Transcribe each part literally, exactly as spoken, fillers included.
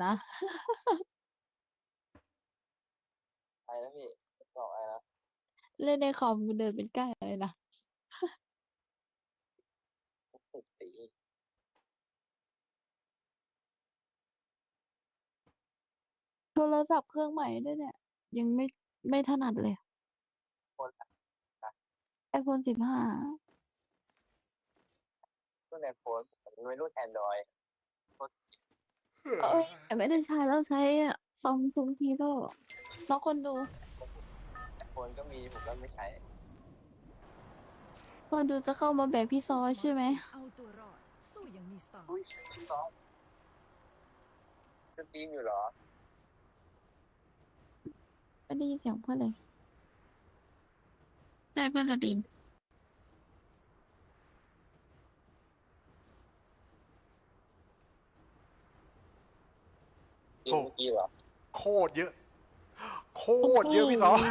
นะอะไรนะพี่บอกอะไรนะเล่นในคอมกูเดินเป็นใกล้เลยนะติดสีโทรศัพท์เครื่องใหม่ด้วยเนี่ย ยังไม่ไม่ถนัดเลยคนนะ iPhone สิบห้ารุ่นไอโฟนผมไม่รุ่นแอนดรอยคนเอ้ยแต่ไม่ได้ใช้แล้วใช้ซัมซุงฮีโร่แล้วคนดูไอโฟนก็มีผมก็ไม่ใช้คนดูจะเข้ามาแบกพี่ซอใช่ไหมเอาตัวรอดสู้อย่างมีสไตล์อุ้ยซ้อมสตรีมอยู่เหรอไม่ได้ยินเสียงเพื่อนเลย ได้เพื่อนสตรีมสตรีมเมื่อกี้เหรอโคตรเยอะ โคตรเยอะพี่สอง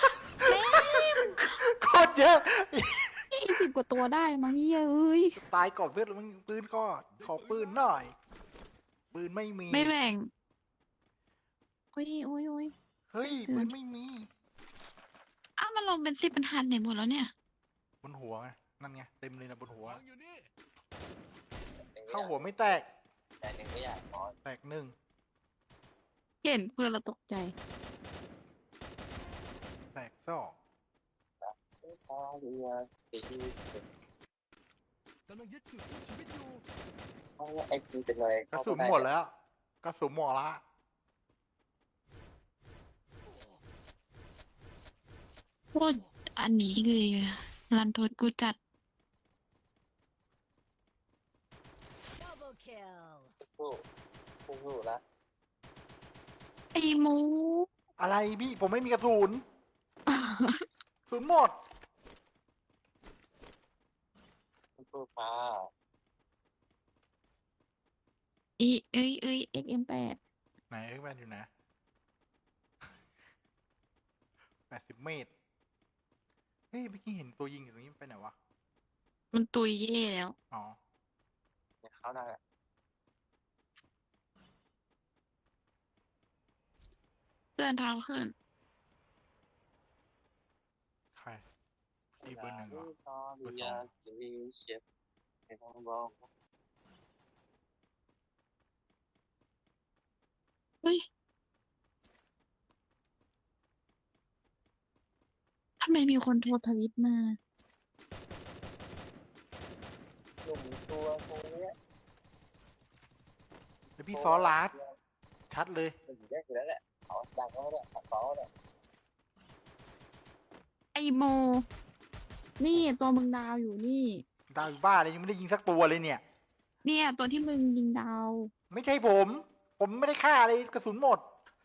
โคตรเยอะยี่สิบกว่าตัวได้มั้งเย้เอ้ยตายก่อนเพื่อนมึงปืนก่อนขอปืนหน่อย ปืนไม่มีไม่แบ่ง โอ้ยโอ้ยโอ้ยเฮ้ยเตืปือนนไม่มีอ้าวมันลงเป็นสิบเป็นพันเนี่ยหมดแล้วเนี่ยบนหัวไงนั่นไงเต็มเลยนะบนหัวหนึ่งเข้าหัวไม่แตกแต่หนึ่งก็อยากนอนแตกหนึ่งเห็นเพื่อนเราตกใจแตกสองพอเรือสีที่กำลังยึดจุดชีวิตอยู่เพราะว่าไอพีเป็นอะไรกระสุนหมดแล้วกระสุนหมดละโคตรอันนี้เลยอะรันทดกูจัดดับเบิลคิลสู้สู้สู้ละไอ้หมูอะไรพี่ผมไม่มีกระสุนกระสุนหมดสู้ฟ้าอีเอ้ยเอ้ย เอ็ก เอ็ม แปดไหนเอ็กแมนอยู่นะแปดสิบเมตรเฮ้ยเมื่อกี้เห็นตัวยิงอยู่ตรงนี้ไปไหนวะมันตุยเย่แล้วอ๋อเนี่ยเขาได้แหละเพื่อนเท้าขึ้นใครพี่เบอร์หนึ่งเหรอตอนอยากจะมีเชฟให้น้องบอกเฮ้ย ทำไมมีคนโทรทวิตมาหนุ่มตัวตรงเนี้ยแล้วพี่ซอลาดชัดเลยมันอยู่ได้อยู่แล้วแหละเขาดังเขาเนี่ยเขาเนี่ยไอ้โม นี่ตัวมึงดาวอยู่นี่ดาวอยู่บ้าเลยยังไม่ได้ยิงสักตัวเลยเนี่ยเนี่ยตัวที่มึงยิงดาวไม่ใช่ผม ผมไม่ได้ฆ่าเลยกระสุนหมด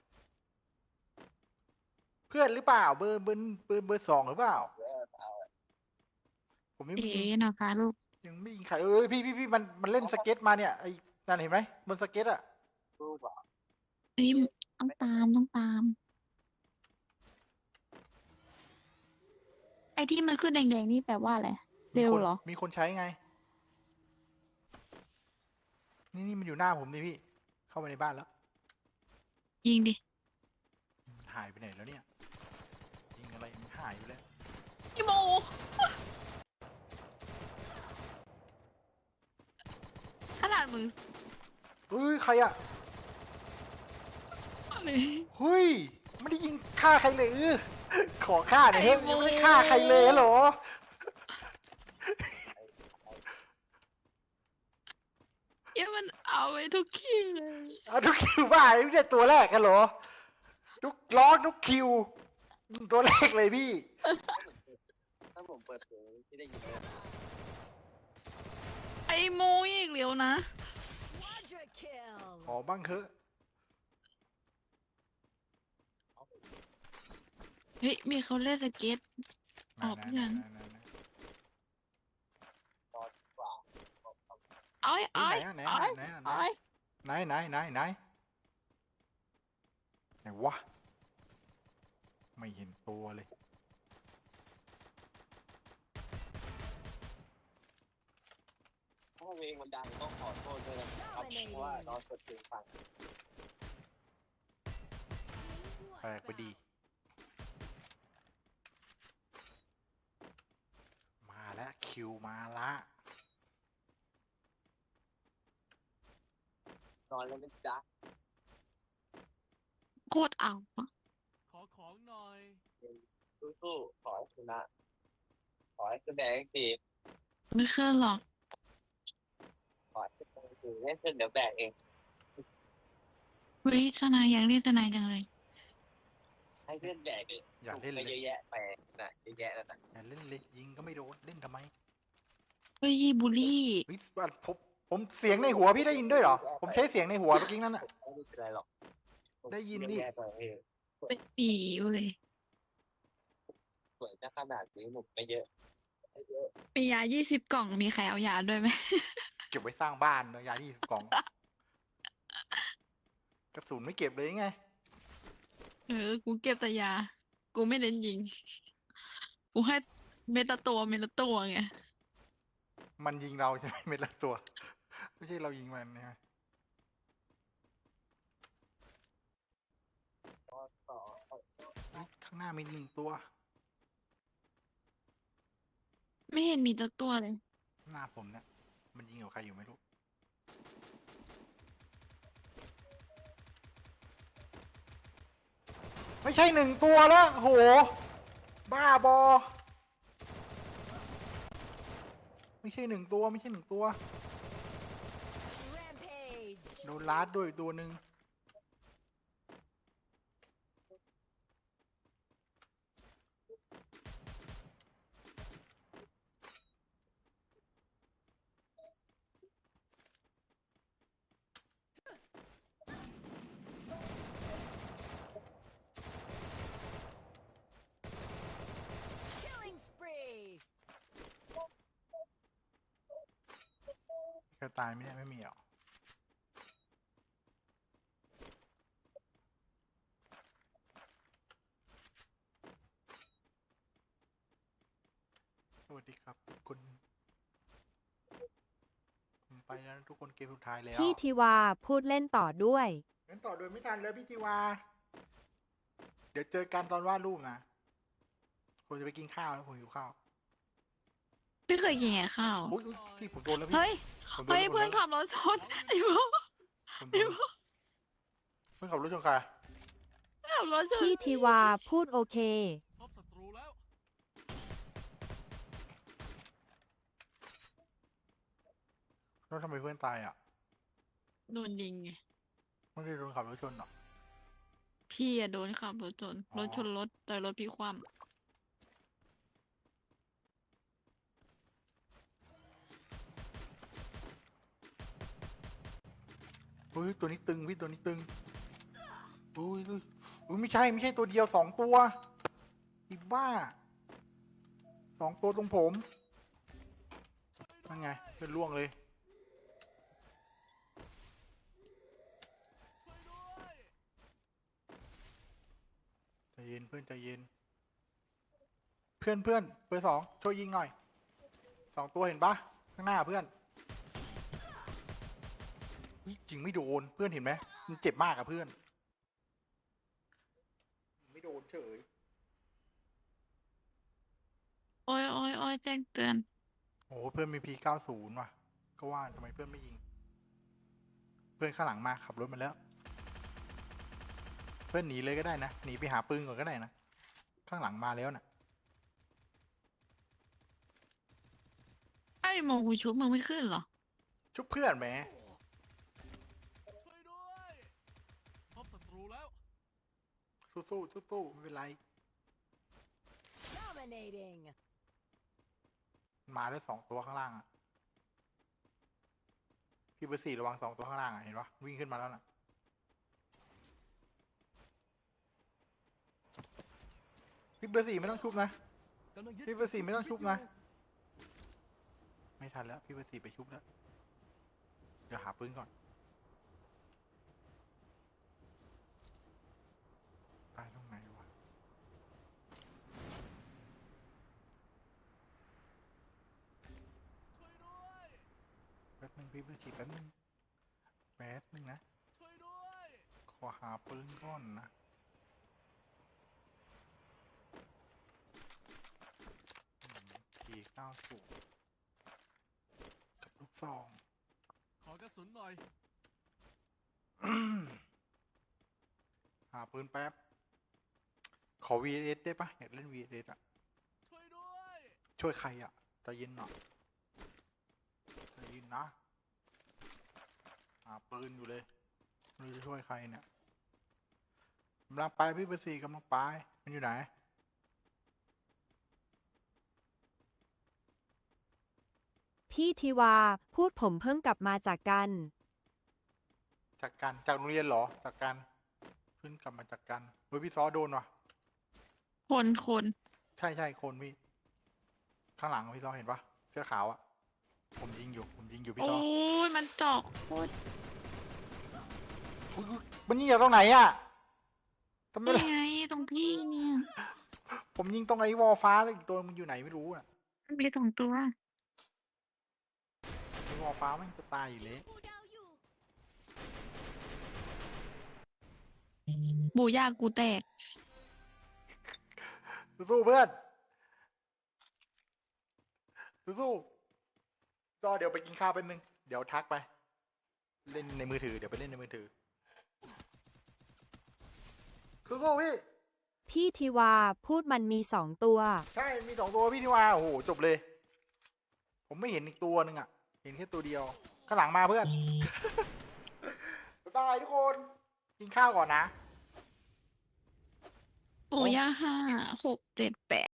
เพื่อนหรือเปล่า เบอร์เบอร์เบอร์เบอร์สองหรือเปล่าเออเอาผมยังเอ๋ไม่ยิงนะคะลูกยังไม่ยิงใครเอ้ยพี่พี่พี่มันมันเล่นสเก็ตมาเนี่ยไอ้นั่นเห็นไหมบนสเก็ตอะสู้เปล่าเฮ้ยต้องตามต้องตาม ไอ้ที่มันขึ้นแดงๆนี่แปลว่าอะไร เร็วเหรอมีคนใช้ไง นี่นี่มันอยู่หน้าผมดิพี่ เข้าไปในบ้านแล้วยิงดิหายไปไหนแล้วเนี่ย ยิงอะไรมันหายไปแล้วพี่โม ขนาดมือเฮ้ยใครอะอะไรเฮ้ยไม่ได้ยิงฆ่าใครเลยเออขอฆ่าหน่อยเฮ้ยยังไม่ได้ฆ่าใครเลยเหรอเอ้ยมันเอาไว้ทุกคิวเลยเอาทุกคิวบ้าไม่ใช่ตัวแรกกันเหรอทุกล้อทุกคิวยิงตัวแรกเลยพี่ถ้าผมเปิดเพลงที่ได้ยินเลยไอ้โมอีกเร็วนะควอดราคิลขอบ้างเถอะเฮ้ย มีเขาเล่นสเก็ต ออกไหนเพื่อนไหนไหนไหนตอนกว่าเอ้ยเอ้ยไหนเอ้ยไหนไหนเอ้ยไหนไหนไหนไหนไหนวะไม่เห็นตัวเลยถ้าเพลงมันดังต้องขอโทษด้วยนะครับเพราะว่านอนสดเพลงฟังลกไปดี มาแล้วคิวมาละนอนแล้วนะจ๊ะโคตรเอาอะขอของหน่อยสู้ๆขอให้ชนะขอให้แสดงดีไม่ขึ้นหรอกขอให้แสดงดีเล่นเสร็จเดี๋ยวแบกเองวิทนายอยากเรียกทนายจังเลยให้เพื่อนแบกเองอย่าเล่นไปเลเยยอะแยะไปน่ะเยอะแยะแล้วนะอย่าเล่นเลยยิงก็ไม่โดนเล่นทำไมเฮ้ยบุลี่เฮ้ยผมผมเสียงในหัวพี่ได้ยินด้วยเหรอ ผมใช้เสียงในหัวเมื่อกี้นั่นน่ะไม่เป็นไรหรอกได้ยินดิเอะแยะไปเองเป็นปีเว้ยสวยจะขนาดนี้หนุกไม่เยอะไม่เยอะมียายี่สิบกล่องมีใครเอายาด้วยไหมเก็บไว้สร้างบ้านเนอะยาที่กล่อง กระสุนไม่เก็บเลยไงเออ กูเก็บแต่ยา กูไม่เน้นยิง กูให้เม็ดละตัวเม็ดละตัวไงมันยิงเราใช่ไหมเม็ดละตัว ไม่ใช่เรายิงมันใช่ไหมต่อต่อเฮ้ยข้างหน้ามีหนึ่งตัวไม่เห็นมีสักตัวเลยหน้าผมเนี่ยมันยิงกับใครอยู่ไม่รู้ ไม่ใช่หนึ่งตัวแล้วโห บ้าบอ ไม่ใช่หนึ่งตัวไม่ใช่หนึ่งตัว โดนลาดด้วยตัวหนึ่ง Killing spree. ใครตายไหมเนี่ยไม่มีหรอ สวัสดีครับทุกคน ผมไปแล้วนะทุกคนเกมสุดท้ายแล้วพี่ทิวาพูดเล่นต่อด้วยงั้นต่อโดยไม่ทันแล้วพี่ทิวา เดี๋ยวเจอกันตอนวาดรูปนะ ผมจะไปกินข้าวแล้วผมหิวข้าวไม่เคยกินไงข้าวอุ๊ยอุ๊ยพี่ผมโดนแล้วพี่เฮ้ยผมโดนเฮ้ยแล้วเพื่อนผมโดขับรถชนไอ้พวกผมโดนเพื่อนขับรถชนใครขับรถชนพี่ทิวาพูดโอเคพบศัตรูแล้วแล้วทำไมเพื่อนตายอ่ะโดนยิงไงไม่ได้โดนขับรถชนหรอพี่อะโดนขับรถชนอ๋อรถชนรถแต่รถพี่คว่เฮ้ยตัวนี้ตึงพี่ตัวนี้ตึงอุ้ยอุ้ยอุ้ยไม่ใช่ไม่ใช่ตัวเดียวสองตัวอีบ้าสองตัวตรงผมนั่นไงเป็นล่วงเลย ใจเย็นเพื่อนใจเย็น เพื่อนเพื่อนเบอร์สองช่วยยิงหน่อยสองตัวเห็นปะข้างหน้าเพื่อนอุ๊ยยิงไม่โดนเพื่อนเห็นไหมมันเจ็บมากอะเพื่อนยิงไม่โดนเฉยำโอ้ยโอ้ยโอ้ยแจ้งเตือนโอ้เพื่อนมีพีเก้าศูนย์ว่ะ ก็ว่าทำไมเพื่อนไม่ยิง เพื่อนข้างหลังมาขับรถมาแล้ว เพื่อนหนีเลยก็ได้นะหนีไปหาปืนก่อนก็ได้นะข้างหลังมาแล้วนะไอ้โมกูชุบมึงไม่ขึ้นเหรอชุบเพื่อนแหมช่วยด้วย พบศัตรูแล้วสู้สู้สู้สู้ๆไม่เป็นไร Dominating. มาแล้วสองตัวข้างล่างอะพี่เบอร์สี่ระวังสองตัวข้างล่างอะเห็นปะวิ่งขึ้นมาแล้วน่ะพี่เบอร์สี่ไม่ต้องชุบนะกำลังยึดพี่เบอร์สี่ไม่ต้องชุบนะ ไม่ทันแล้วพี่เบอร์สี่ไปชุบแล้วเดี๋ยวหาปืนก่อนตายตรงไหนวะแป๊บนึงพี่เบอร์สี่แป๊บนึงแป๊บนึงนะช่วยด้วยขอหาปืนก่อนนะเก้าสูบกับลูกซองขอกระสุนหน่อยหาปืนแป๊บ ขอ วี เอส ได้ปะอยากเล่น วี เอส อ่ะช่วยด้วยช่วยใครอ่ะใจเย็นหน่อยใจเย็นนะ หาปืนอยู่เลยไม่รู้จะช่วยใครเนี่ยกำลังไปพี่เบอร์สี่กำลังไปมันอยู่ไหนพี่ทิวา พูดผมเพิ่งกลับมาจากกันจากกันจากโรงเรียนเหรอ จากกันเพิ่งกลับมาจากกันเฮ้ยพี่ซอโดนว่ะคนคน ใช่ใช่ใช่คนพี่ ข้างหลังพี่ซอเห็นปะเสื้อขาวอะผมยิงอยู่ ผมยิงอยู่พี่โอ้ซอยมันเจาะโคตรอุ๊ยอุ๊ยมันยิงจากตรงไหนอะทำไมนี่ล่ะไงตรงพี่เนี่ยผมยิงตรงไอ้วอลฟ้าแล้วอีกตัวมันอยู่ไหนไม่รู้อะมันมีสองตัวไอ้วอลฟ้ามันจะตายอยู่เลยบูย่ากูแตกสู้ๆเพื่อนสู้ๆก็เดี๋ยวไปกินข้าวเป็นนึง เดี๋ยวทักไป เล่นในมือถือ เดี๋ยวไปเล่นในมือถือ สู้ๆพี่พี่ทิวา พูดมันมีสองตัวใช่ มีสองตัวพี่ที่ว่าโอ้โห จบเลย ผมไม่เห็นอีกตัวหนึ่งอ่ะ เห็นแค่ตัวเดียว ข้างหลังมาเพื่อน บ๊ายบายทุกคน กินข้าวก่อนนะบูย่าห้าหกเจ็ดแปด